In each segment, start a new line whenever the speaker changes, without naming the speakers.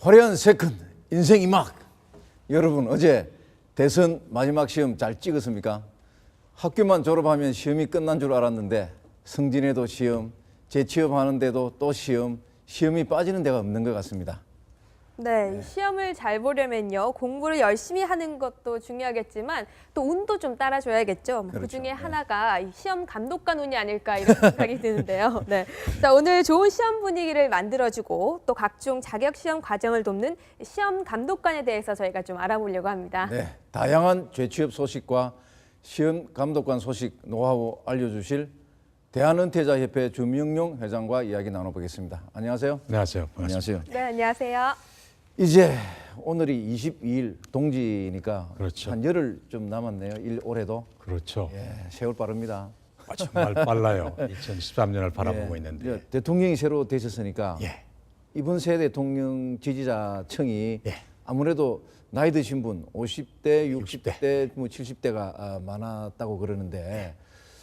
화려한 세컨 인생 이막. 여러분 어제 대선 마지막 시험 잘 찍었습니까? 학교만 졸업하면 시험이 끝난 줄 알았는데 승진에도 시험, 재취업하는데도 또 시험, 시험이 빠지는 데가 없는 것 같습니다.
네, 이 시험을 잘 보려면요. 공부를 열심히 하는 것도 중요하겠지만 또 운도 좀 따라줘야겠죠.
그렇죠.
그중에 하나가 이 시험 감독관 운이 아닐까 이런 생각이 드는데요. 네, 자, 오늘 좋은 시험 분위기를 만들어주고 또 각종 자격 시험 과정을 돕는 시험 감독관에 대해서 저희가 좀 알아보려고 합니다.
네, 다양한 재취업 소식과 시험 감독관 소식 노하우 알려주실 대한은퇴자협회 주명용 회장과 이야기 나눠보겠습니다. 안녕하세요.
안녕하세요. 반갑습니다.
안녕하세요.
네, 안녕하세요.
이제 오늘이 22일 동지니까
그렇죠.
한 열흘 좀 남았네요. 올해도.
그렇죠.
예, 세월 빠릅니다.
정말 빨라요. 2013년을 바라보고
예,
있는데.
대통령이 새로 되셨으니까
예.
이번 새 대통령 지지자층이
예.
아무래도 나이 드신 분 50대, 60대,
60대.
뭐 70대가 많았다고 그러는데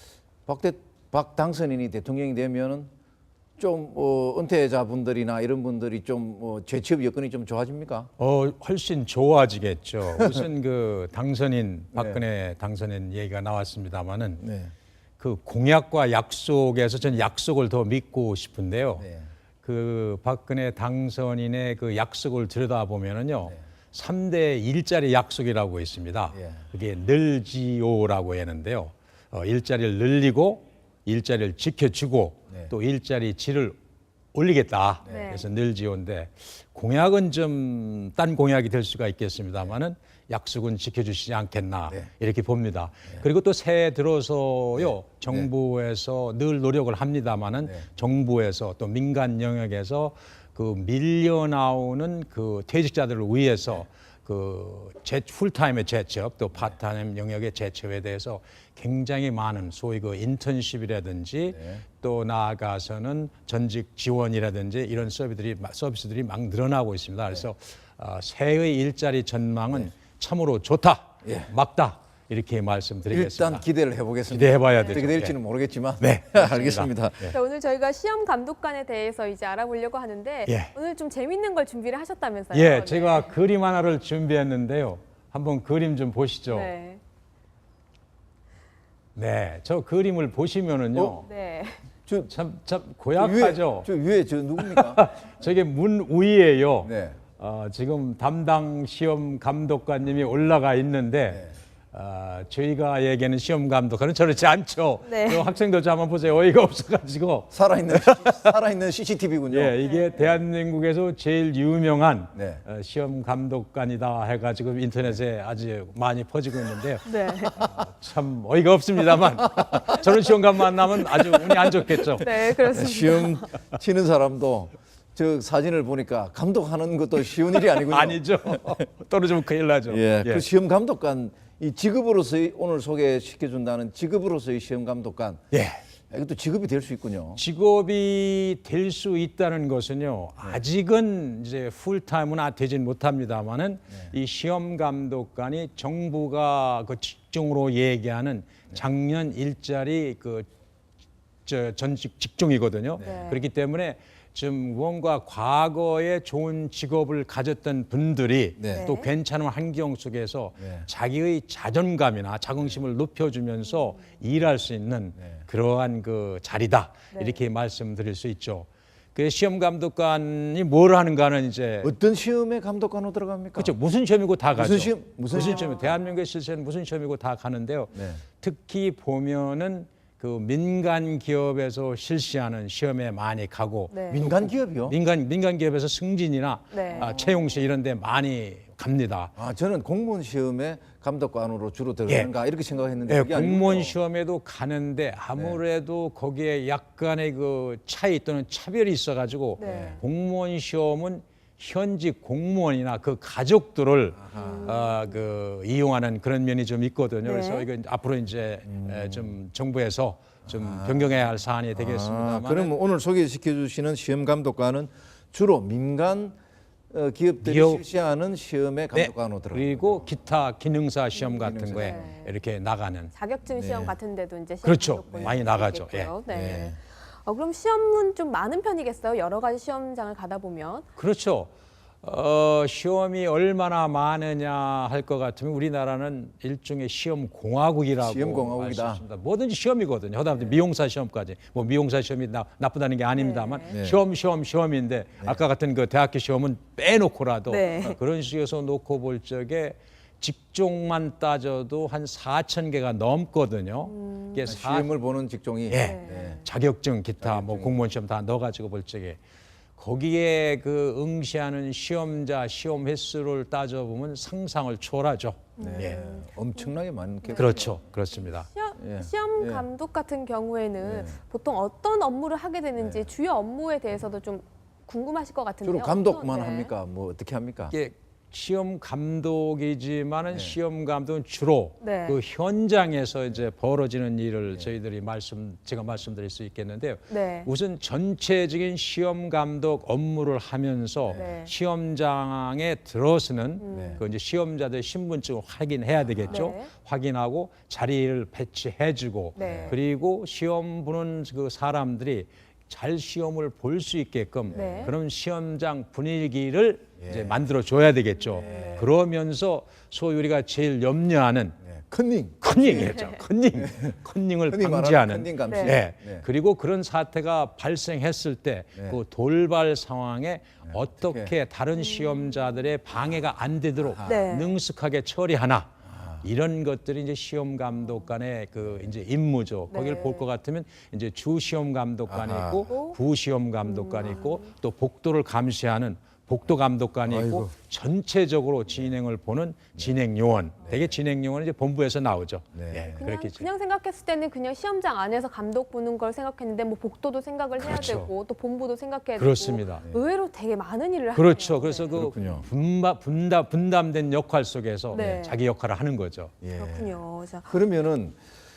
박 당선인이 대통령이 되면은 좀 은퇴자분들이나 이런 분들이 좀 재취업 여건이 좀 좋아집니까?
훨씬 좋아지겠죠. 우선 그 당선인 박근혜 당선인 얘기가 나왔습니다만은
네.
그 공약과 약속에서 저는 약속을 더 믿고 싶은데요.
네.
그 박근혜 당선인의 그 약속을 들여다보면은요. 3대 일자리 약속이라고 있습니다.
예.
그게 늘지오라고 하는데요. 일자리를 늘리고 일자리를 지켜주고
네.
또 일자리 질을 올리겠다.
네.
그래서 늘지오인데 공약은 좀 딴 공약이 될 수가 있겠습니다만은 약속은 지켜주시지 않겠나
네.
이렇게 봅니다. 그리고 또 새해 들어서요 정부에서 늘 노력을 합니다만은 정부에서 또 민간 영역에서 그 밀려 나오는 그 퇴직자들을 위해서 그 풀타임의 재취업 또 파트타임 영역의 재취업에 대해서 굉장히 많은 소위 그 인턴십이라든지 또 나아가서는 전직 지원이라든지 이런 서비스들이 막 늘어나고 있습니다. 그래서 새해의 일자리 전망은 참으로 좋다, 막다 이렇게 말씀드리겠습니다.
일단 기대를 해보겠습니다.
기대해봐야 되죠.
어떻게 될지는 모르겠지만
네,
알겠습니다.
자, 오늘 저희가 시험 감독관에 대해서 이제 알아보려고 하는데
예.
오늘 좀 재밌는 걸 준비를 하셨다면서요?
예,
네.
제가 그림 하나를 준비했는데요. 한번 그림 좀 보시죠.
네.
네, 저 그림을 보시면은요.
네.
참 고약하죠.
저 위에 저 누굽니까?
저게 문 위에요.
네.
지금 담당 시험 감독관님이 올라가 있는데 저희가 얘기하는 시험 감독관은 저렇지 않죠.
네.
그 학생들 좀 한번 보세요. 어이가 없어가지고.
살아있는 CCTV군요.
예, 이게 대한민국에서 제일 유명한
네.
시험 감독관이다 해가지고 인터넷에 아주 많이 퍼지고 있는데요.
네.
참 어이가 없습니다만 저런 시험관 만나면 아주 운이 안 좋겠죠.
네, 그렇습니다.
시험 치는 사람도 저 사진을 보니까 감독하는 것도 쉬운 일이 아니군요.
아니죠. 떨어지면 큰일 나죠.
예, 그 시험 감독관 이 직업으로서의 오늘 소개시켜준다는 직업으로서의 시험 감독관.
예.
이것도 직업이 될 수 있군요.
직업이 될 수 있다는 것은요. 아직은 이제 풀타임은 되진 못합니다만은 이 시험 감독관이 정부가 그 직종으로 얘기하는 작년 일자리 그 전직 직종이거든요. 그렇기 때문에 좀 무언가 과거에 좋은 직업을 가졌던 분들이
네.
또 괜찮은 환경 속에서
네.
자기의 자존감이나 자긍심을 높여주면서 일할 수 있는 그러한 그 자리다 이렇게 말씀드릴 수 있죠. 그 시험 감독관이 뭘 하는가는 이제
어떤 시험에 감독관으로 들어갑니까?
그렇죠. 무슨 시험이고 다 가죠.
무슨 시험? 무슨
시험? 대한민국의 실세는 무슨 시험이고 다 가는데요.
네.
특히 보면은 그 민간 기업에서 실시하는 시험에 많이 가고
네.
민간 기업이요?
민간 기업에서 승진이나
네.
채용시 이런 데 많이 갑니다.
저는 공무원 시험에 감독관으로 주로 들어가는가 이렇게 생각했는데
예,
그게
공무원
아니군요.
시험에도 가는데 아무래도 거기에 약간의 그 차이 또는 차별이 있어가지고
네.
공무원 시험은 현직 공무원이나 그 가족들을 그 이용하는 그런 면이 좀 있거든요. 그래서 이건 앞으로 이제 좀 정부에서 좀 변경해야 할 사안이 되겠습니다만.
그럼 오늘 소개시켜 주시는 시험 감독관은 주로 민간 기업들이 실시하는 시험에 감독관으로 들어갑니다.
그리고 기타 기능사 시험 같은
기능사.
거에
네.
이렇게 나가는.
자격증 시험 같은 데도 이제 시험
그렇죠.
등록본이
많이 나가죠.
있겠고요.
예.
네. 그럼 시험은 좀 많은 편이겠어요? 여러 가지 시험장을 가다 보면.
그렇죠. 시험이 얼마나 많으냐 할 것 같으면 우리나라는 일종의 시험 공화국이라고
시험 공화국이다.
할 수 있습니다. 뭐든지 시험이거든요. 그다음에 미용사 시험까지. 뭐 미용사 시험이 나쁘다는 게 아닙니다만
네.
시험인데 아까 같은 그 대학교 시험은 빼놓고라도
네.
그런 식에서 놓고 볼 적에 직종만 따져도 한 4천 개가 넘거든요. 이게
시험을 보는 직종이
예.
네.
자격증 기타 뭐 공무원 시험 다 넣어가지고 볼 적에 거기에 그 응시하는 시험자 시험 횟수를 따져보면 상상을 초월하죠. 예.
엄청나게 많게
그렇죠, 그렇습니다.
시험
예.
감독 같은 경우에는 보통 어떤 업무를 하게 되는지 주요 업무에 대해서도 좀 궁금하실 것 같은데요.
주로 감독만
네.
합니까? 뭐 어떻게 합니까?
이게 시험 감독이지만은 시험 감독은 주로
네.
그 현장에서 이제 벌어지는 일을 저희들이 제가 말씀드릴 수 있겠는데요.
네.
우선 전체적인 시험 감독 업무를 하면서
네.
시험장에 들어서는 그 이제 시험자들 신분증을 확인해야 되겠죠.
네.
확인하고 자리를 배치해주고
네.
그리고 시험 보는 그 사람들이 잘 시험을 볼 수 있게끔
네.
그런 시험장 분위기를 이제 만들어 줘야 되겠죠. 그러면서 소위 우리가 제일 염려하는
컨닝.
컨닝이죠. 컨닝을
흔히 말하는
방지하는.
컨닝 감시.
네.
네.
네.
그리고 그런 사태가 발생했을 때 그 돌발 상황에 어떻게 다른 시험자들의 방해가 안 되도록
네.
능숙하게 처리하나. 이런 것들이 이제 시험 감독관의 그 이제 임무죠.
네.
거기를 볼 것 같으면 이제 주 시험 감독관이
아하.
있고 부 시험 감독관이 있고 또 복도를 감시하는 복도 감독관이 있고
아이고.
전체적으로 진행을 보는 진행 요원. 대개 진행 요원은 이제 본부에서 나오죠.
네.
예,
그냥,
그렇겠죠.
그냥 생각했을 때는 그냥 시험장 안에서 감독 보는 걸 생각했는데 뭐 복도도 생각을 해야
그렇죠.
되고 또 본부도 생각해야
그렇습니다.
되고 의외로 되게 많은 일을
그렇죠.
하네요.
그래서
네.
그
그렇군요.
분담된 역할 속에서
네.
자기 역할을 하는 거죠.
예.
그렇군요. 자,
그러면은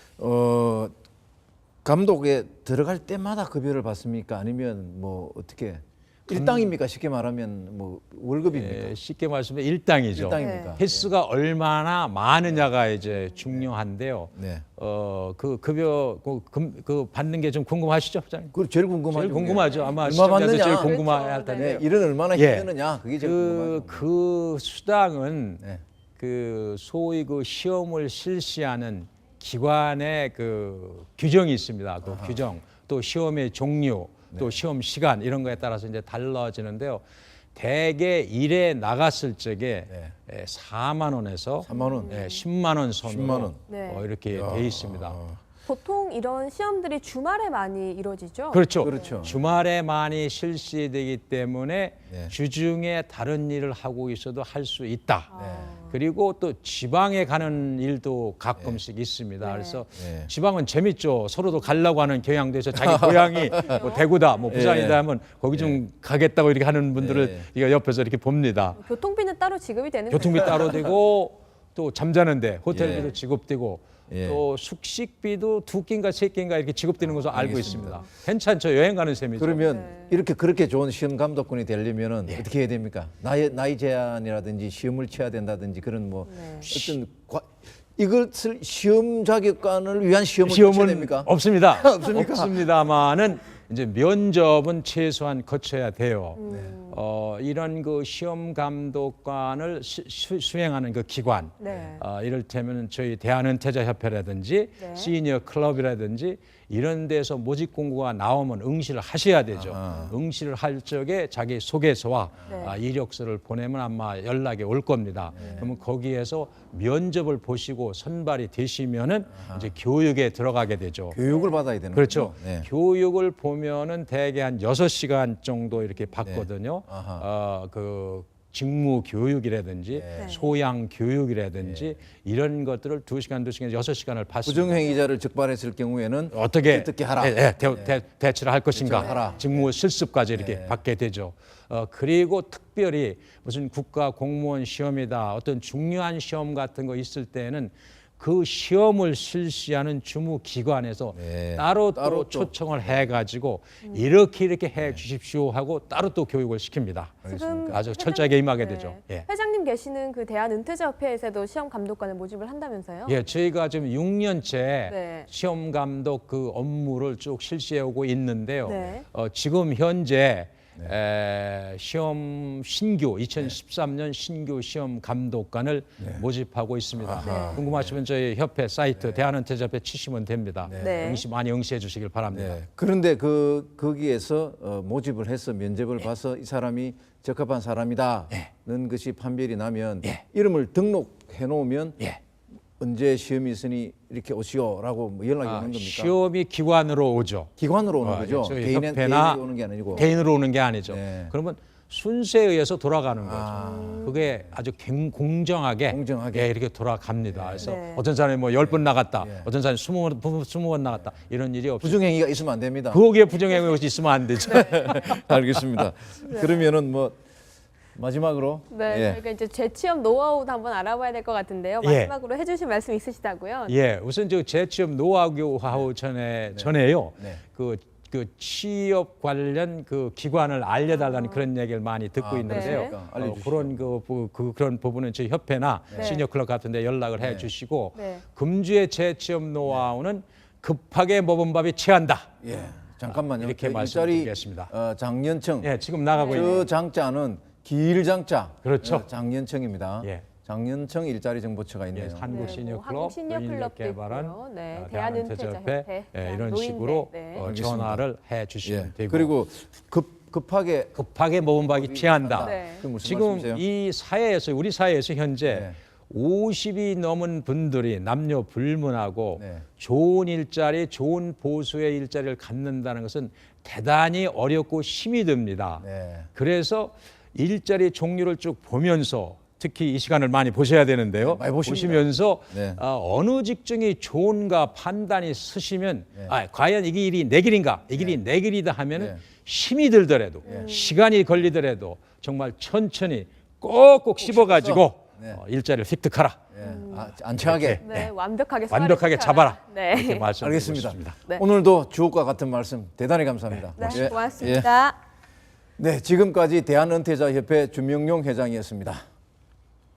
감독에 들어갈 때마다 급여를 받습니까? 아니면 뭐 어떻게 일당입니까? 쉽게 말하면 뭐 월급입니까?
예, 쉽게 말씀해 일당이죠.
일당입니까?
횟수가 얼마나 많으냐가 이제 중요한데요.
네.
그 급여 그 받는 게 좀 궁금하시죠, 부장님?
그 제일 궁금하죠.
제일 궁금하죠. 아마
얼마
시청자들
받느냐?
제일 궁금할
그렇죠.
텐데.
네, 일은 얼마나
예.
힘드느냐? 그게 제일 궁금하죠.
그 수당은
네.
그 소위 그 시험을 실시하는 기관의 그 규정이 있습니다. 그 규정, 또 시험의 종류, 또 시험 시간 이런 거에 따라서 이제 달라지는데요. 대개 일에 나갔을 적에 4만 원에서
3만 원.
10만 원 선으로
10만 원.
네.
이렇게 돼 있습니다.
보통 이런 시험들이 주말에 많이 이루어지죠?
그렇죠.
그렇죠.
주말에 많이 실시되기 때문에
네.
주중에 다른 일을 하고 있어도 할 수 있다.
아.
그리고 또 지방에 가는 일도 가끔씩 있습니다.
네.
그래서
네.
지방은 재밌죠. 서로도 가려고 하는 경향도 있어. 자기 고향이 뭐 대구다, 뭐 부산이다
네.
하면 거기 좀 가겠다고 이렇게 하는 분들을
네.
이거 옆에서 이렇게 봅니다.
교통비는 따로 지급이 되는
교통비
거예요?
따로 되고 또 잠자는데 호텔비도
예.
지급되고
예.
또 숙식비도 2끼인가 3끼인가 이렇게 지급되는 것으로 알고 있습니다. 괜찮죠. 여행 가는 셈이죠.
그러면
네.
이렇게 그렇게 좋은 시험 감독관이 되려면은
예.
어떻게 해야 됩니까? 나이 제한이라든지 시험을 쳐야 된다든지 그런 뭐
네.
어떤 이것을 시험 자격관을 위한 시험을 쳐야
시험은
됩니까?
없습니다.
없습니까?
없습니다만은 이제 면접은 최소한 거쳐야 돼요. 이런 그 시험 감독관을 수행하는 그 기관,
네.
이를테면 저희 대한은퇴자협회라든지
네.
시니어 클럽이라든지 이런 데서 모집 공고가 나오면 응시를 하셔야 되죠. 응시를 할 적에 자기 소개서와
네.
이력서를 보내면 아마 연락이 올 겁니다. 그러면 거기에서 면접을 보시고 선발이 되시면은 이제 교육에 들어가게 되죠.
교육을 받아야 되는
그렇죠.
거죠? 네.
교육을 보면은 대개 한 6시간 정도 이렇게 받거든요.
아하.
그 직무 교육이라든지
네.
소양 교육이라든지 이런 것들을 2시간, 6시간을 받습니다.
부정행위자를 적발했을 경우에는
어떻게
하라.
대처를 할 것인가,
대처를 하라.
직무 실습까지 이렇게 받게 되죠. 그리고 특별히 무슨 국가 공무원 시험이다, 어떤 중요한 시험 같은 거 있을 때는 그 시험을 실시하는 주무기관에서
네.
따로
따로
또 초청을 해가지고 이렇게 해 주십시오 하고 따로 또 교육을 시킵니다.
지금
아주 철저하게 임하게 되죠. 예.
회장님 계시는 그 대한은퇴자협회에서도 시험 감독관을 모집을 한다면서요?
예, 저희가 지금 6년째
네.
시험 감독 그 업무를 쭉 실시해 오고 있는데요.
네.
지금 현재 시험 신규 2013년 신규 시험 감독관을 모집하고 있습니다. 궁금하시면 저희 협회 사이트 대한은퇴자협회 치시면 됩니다.
네.
많이 응시해 주시길 바랍니다.
네. 그런데 거기에서 모집을 해서 면접을 봐서 이 사람이 적합한 사람이다는 것이 판별이 나면 이름을 등록해 놓으면 언제 시험이 있으니 이렇게 오시오라고 뭐 연락이 오는 겁니까?
시험이 기관으로 오죠.
기관으로 오는 거죠.
저희
개인이
협회나
오는 게 아니고.
개인으로 오는 게 아니죠.
네.
그러면 순서에 의해서 돌아가는 거죠. 그게 아주 공정하게,
공정하게.
이렇게 돌아갑니다. 그래서
네.
어떤 사람이 뭐 10번 나갔다, 어떤 사람이 20번 나갔다 이런 일이 없어요.
부정행위가 있으면 안 됩니다.
거기에 부정행위가 있으면 안 되죠.
알겠습니다. 그러면은 뭐 마지막으로
네, 저희가 이제 재취업 노하우도 한번 알아봐야 될 것 같은데요.
예.
마지막으로 해주실 말씀 있으시다고요?
예, 우선 저 재취업 노하우 전에요.
네.
그 취업 관련 그 기관을 알려달라는 그런 얘기를 많이 듣고 있는데요.
그렇습니까? 알려주시죠.
그런 부분은 저희 협회나
네.
시니어 클럽 같은데 연락을 해주시고
네.
금주의 재취업 노하우는 급하게 먹은 밥이 취한다.
예. 잠깐만요.
이렇게
그
말씀드리겠습니다.
장년청.
예, 지금 나가고 있는
저 장자는 길장자.
그렇죠.
장년청입니다.
예.
장년청 일자리 정보처가 있네요.
한국
네,
시니어
뭐
클럽,
한국 시니어 클럽도
개발한
있고요. 네,
대한은퇴자협회
대한은퇴자협회,
이런
노인대,
식으로
네.
알겠습니다.
전화를 해주시면
예.
되고
그리고 급하게
먹은 밥이 취한다.
네.
그 무슨
지금
말씀이세요?
이 사회에서 우리 사회에서 현재
네.
50이 넘은 분들이 남녀 불문하고
네.
좋은 일자리, 좋은 보수의 일자리를 갖는다는 것은 대단히 어렵고 힘이 듭니다.
네.
그래서 일자리 종류를 쭉 보면서 특히 이 시간을 많이 보셔야 되는데요.
많이 보십니다.
보시면서
네.
어느 직종이 좋은가 판단이 서시면 과연 이 길이 내 길인가, 이 길이 내 길이다 하면은
네.
힘이 들더라도 시간이 걸리더라도 정말 천천히 꼭꼭 씹어가지고
네.
일자리를 획득하라.
예. 안치하게.
네, 완벽하게
완벽하게 잡아라.
네.
이렇게 말씀드리고
알겠습니다.
싶습니다.
네.
오늘도 주옥과 같은 말씀 대단히 감사합니다.
네,
예.
고맙습니다.
네, 지금까지 대한은퇴자협회 주명용 회장이었습니다.